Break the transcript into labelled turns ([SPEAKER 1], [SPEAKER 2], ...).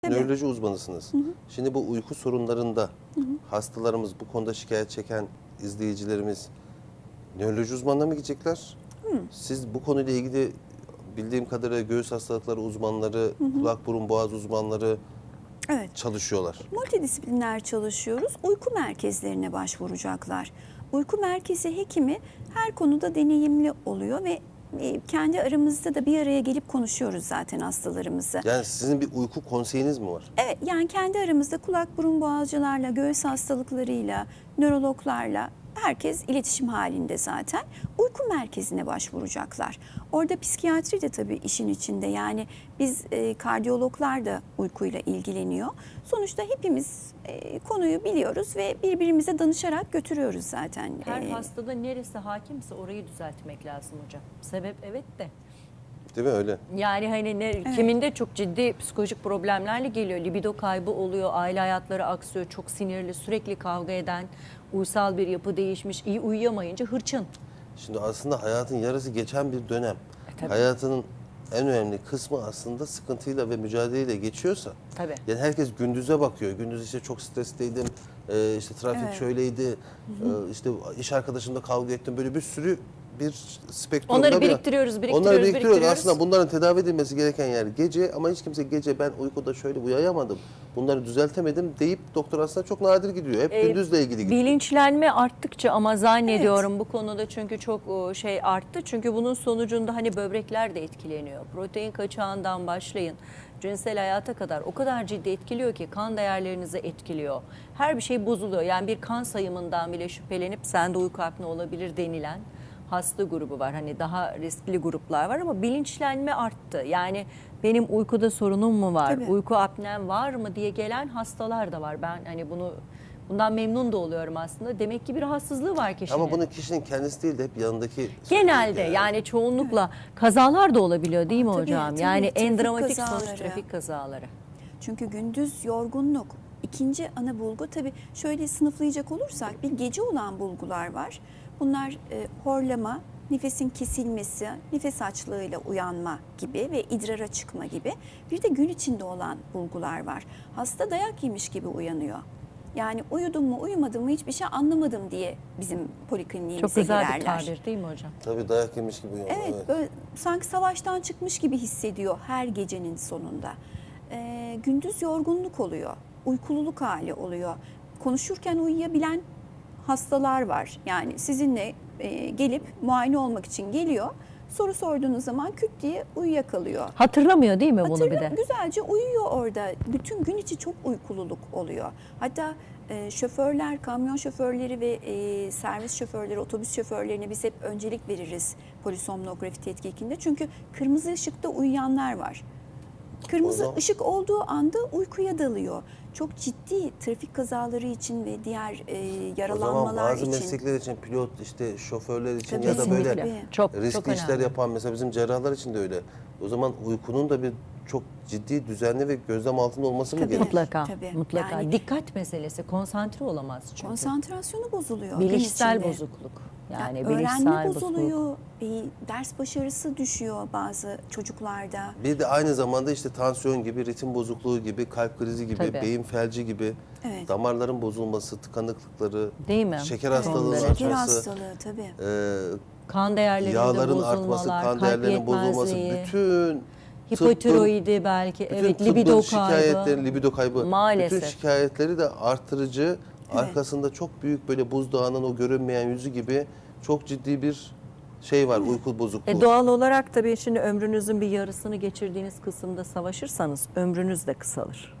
[SPEAKER 1] Tabii.
[SPEAKER 2] Nöroloji uzmanısınız.
[SPEAKER 1] Hı hı.
[SPEAKER 2] Şimdi bu uyku sorunlarında
[SPEAKER 1] Hı hı.
[SPEAKER 2] hastalarımız, bu konuda şikayet çeken izleyicilerimiz nöroloji uzmanına mı gidecekler?
[SPEAKER 1] Hı.
[SPEAKER 2] Siz bu konuyla ilgili bildiğim kadarıyla göğüs hastalıkları uzmanları,
[SPEAKER 1] Hı hı.
[SPEAKER 2] kulak burun boğaz uzmanları
[SPEAKER 1] Evet.
[SPEAKER 2] çalışıyorlar.
[SPEAKER 1] Multidisipliner çalışıyoruz. Uyku merkezlerine başvuracaklar. Uyku merkezi hekimi her konuda deneyimli oluyor ve kendi aramızda da bir araya gelip konuşuyoruz zaten hastalarımızı.
[SPEAKER 2] Yani sizin bir uyku konseyiniz mi var?
[SPEAKER 1] Evet, yani kendi aramızda kulak burun boğazcılarla, göğüs hastalıklarıyla, nörologlarla herkes iletişim halinde zaten. Uyku merkezine başvuracaklar. Orada psikiyatri de tabii işin içinde. Yani biz kardiyologlar da uykuyla ilgileniyor. Sonuçta hepimiz konuyu biliyoruz ve birbirimize danışarak götürüyoruz zaten.
[SPEAKER 3] Her hastada neresi hakimse orayı düzeltmek lazım hocam. Sebep evet de.
[SPEAKER 2] Değil mi öyle?
[SPEAKER 3] Yani hani kiminde çok ciddi psikolojik problemlerle geliyor. Libido kaybı oluyor, aile hayatları aksıyor, çok sinirli, sürekli kavga eden, uysal bir yapı değişmiş, iyi uyuyamayınca hırçın.
[SPEAKER 2] Şimdi aslında hayatın yarısı geçen bir dönem.
[SPEAKER 3] Tabii.
[SPEAKER 2] Hayatının en önemli kısmı aslında sıkıntıyla ve mücadeleyle geçiyorsa.
[SPEAKER 3] Tabii.
[SPEAKER 2] Yani herkes gündüze bakıyor. Gündüz işte çok stresliydim, işte trafik
[SPEAKER 1] Evet.
[SPEAKER 2] şöyleydi, işte iş arkadaşımla kavga ettim. Böyle bir sürü bir spektrumda
[SPEAKER 3] Onları biriktiriyoruz.
[SPEAKER 2] Onları biriktiriyoruz. Aslında bunların tedavi edilmesi gereken yer gece, ama hiç kimse gece ben uykuda şöyle uyuyamadım, bunları düzeltemedim deyip doktor aslında çok nadir gidiyor. Hep gündüzle ilgili gidiyor.
[SPEAKER 3] Bilinçlenme arttıkça ama zannediyorum bu konuda çünkü çok şey arttı. Çünkü bunun sonucunda hani böbrekler de etkileniyor. Protein kaçağından başlayın. Cinsel hayata kadar o kadar ciddi etkiliyor ki kan değerlerinizi etkiliyor. Her bir şey bozuluyor. Yani bir kan sayımından bile şüphelenip sende uyku apne olabilir denilen hasta grubu var. Hani daha riskli gruplar var ama bilinçlenme arttı. Yani benim uykuda sorunum mu var,
[SPEAKER 1] Tabii.
[SPEAKER 3] uyku apnem var mı diye gelen hastalar da var. Ben hani bundan memnun da oluyorum aslında. Demek ki bir rahatsızlığı var kişinin.
[SPEAKER 2] Ama bunu kişinin kendisi değil de hep yanındaki...
[SPEAKER 3] Genelde yani çoğunlukla kazalar da olabiliyor değil mi
[SPEAKER 1] Tabii,
[SPEAKER 3] hocam?
[SPEAKER 1] tabii.
[SPEAKER 3] Yani en
[SPEAKER 1] Trafik
[SPEAKER 3] dramatik sonuç
[SPEAKER 1] kazaları.
[SPEAKER 3] trafik kazaları.
[SPEAKER 1] Çünkü gündüz yorgunluk. İkinci ana bulgu tabii şöyle sınıflayacak olursak bir gece olan bulgular var. Bunlar horlama, nefesin kesilmesi, nefes açlığıyla uyanma gibi ve idrara çıkma gibi. Bir de gün içinde olan bulgular var. Hasta dayak yemiş gibi uyanıyor. Yani uyudum mu uyumadım mı hiçbir şey anlamadım diye bizim polikliniğimize
[SPEAKER 3] Çok güzel
[SPEAKER 1] girerler.
[SPEAKER 3] bir tabir değil mi hocam?
[SPEAKER 2] Tabii dayak yemiş gibi uyanıyor.
[SPEAKER 1] Evet, böyle sanki savaştan çıkmış gibi hissediyor her gecenin sonunda. Gündüz yorgunluk oluyor, uykululuk hali oluyor. Konuşurken uyuyabilen hastalar var. Yani sizinle gelip muayene olmak için geliyor. Soru sorduğunuz zaman küt diye uyuyakalıyor.
[SPEAKER 3] Hatırlamıyor değil mi bunu bir de?
[SPEAKER 1] Güzelce uyuyor orada. Bütün gün içi çok uykululuk oluyor. Hatta şoförler, kamyon şoförleri ve servis şoförleri, otobüs şoförlerine biz hep öncelik veririz polisomnografi tetkikinde. Çünkü kırmızı ışıkta uyuyanlar var. Kırmızı ışık olduğu anda uykuya dalıyor. Çok ciddi trafik kazaları için ve diğer yaralanmalar
[SPEAKER 2] O zaman bazı
[SPEAKER 1] için.
[SPEAKER 2] meslekler için, pilot, işte şoförler için
[SPEAKER 1] Tabii,
[SPEAKER 2] ya da böyle
[SPEAKER 1] kesinlikle.
[SPEAKER 3] Çok
[SPEAKER 2] riskli işler
[SPEAKER 3] önemli.
[SPEAKER 2] yapan mesela bizim cerrahlar için de öyle. O zaman uykunun da bir çok ciddi, düzenli ve gözlem altında olması mı
[SPEAKER 1] Tabii.
[SPEAKER 2] gerekir?
[SPEAKER 3] Mutlaka,
[SPEAKER 1] Tabii.
[SPEAKER 3] mutlaka.
[SPEAKER 1] Yani-
[SPEAKER 3] Dikkat meselesi, konsantre olamaz çünkü.
[SPEAKER 1] Konsantrasyonu bozuluyor. gün
[SPEAKER 3] Bilişsel
[SPEAKER 1] içinde.
[SPEAKER 3] bozukluk. Yani
[SPEAKER 1] öğrenme
[SPEAKER 3] bilişsel bozukluk.
[SPEAKER 1] bozuluyor, ders başarısı düşüyor bazı çocuklarda.
[SPEAKER 2] Bir de aynı zamanda işte tansiyon gibi, ritim bozukluğu gibi, kalp krizi gibi,
[SPEAKER 3] Tabii.
[SPEAKER 2] beyin felci gibi,
[SPEAKER 1] Evet.
[SPEAKER 2] damarların bozulması, tıkanıklıkları,
[SPEAKER 3] Değil mi?
[SPEAKER 2] şeker
[SPEAKER 3] Evet.
[SPEAKER 2] hastalığının
[SPEAKER 3] Şeker
[SPEAKER 1] Şeker
[SPEAKER 2] artması,
[SPEAKER 1] hastalığı tabii.
[SPEAKER 3] Kan değerlerinde
[SPEAKER 2] yağların
[SPEAKER 3] bozulmalar,
[SPEAKER 2] artması, kan
[SPEAKER 3] kalp
[SPEAKER 2] değerlerinin bozulması,
[SPEAKER 3] yetmezliği,
[SPEAKER 2] bütün
[SPEAKER 3] hipotiroidi belki,
[SPEAKER 2] bütün
[SPEAKER 3] evet,
[SPEAKER 2] tıbbın
[SPEAKER 3] libido
[SPEAKER 2] şikayetleri,
[SPEAKER 3] kaybı.
[SPEAKER 2] libido kaybı,
[SPEAKER 3] Maalesef.
[SPEAKER 2] bütün şikayetleri de artırıcı,
[SPEAKER 1] Evet.
[SPEAKER 2] arkasında çok büyük böyle buzdağının o görünmeyen yüzü gibi çok ciddi bir şey var, uyku bozukluğu.
[SPEAKER 3] Doğal olarak tabii şimdi ömrünüzün bir yarısını geçirdiğiniz kısımda savaşırsanız ömrünüz de kısalır.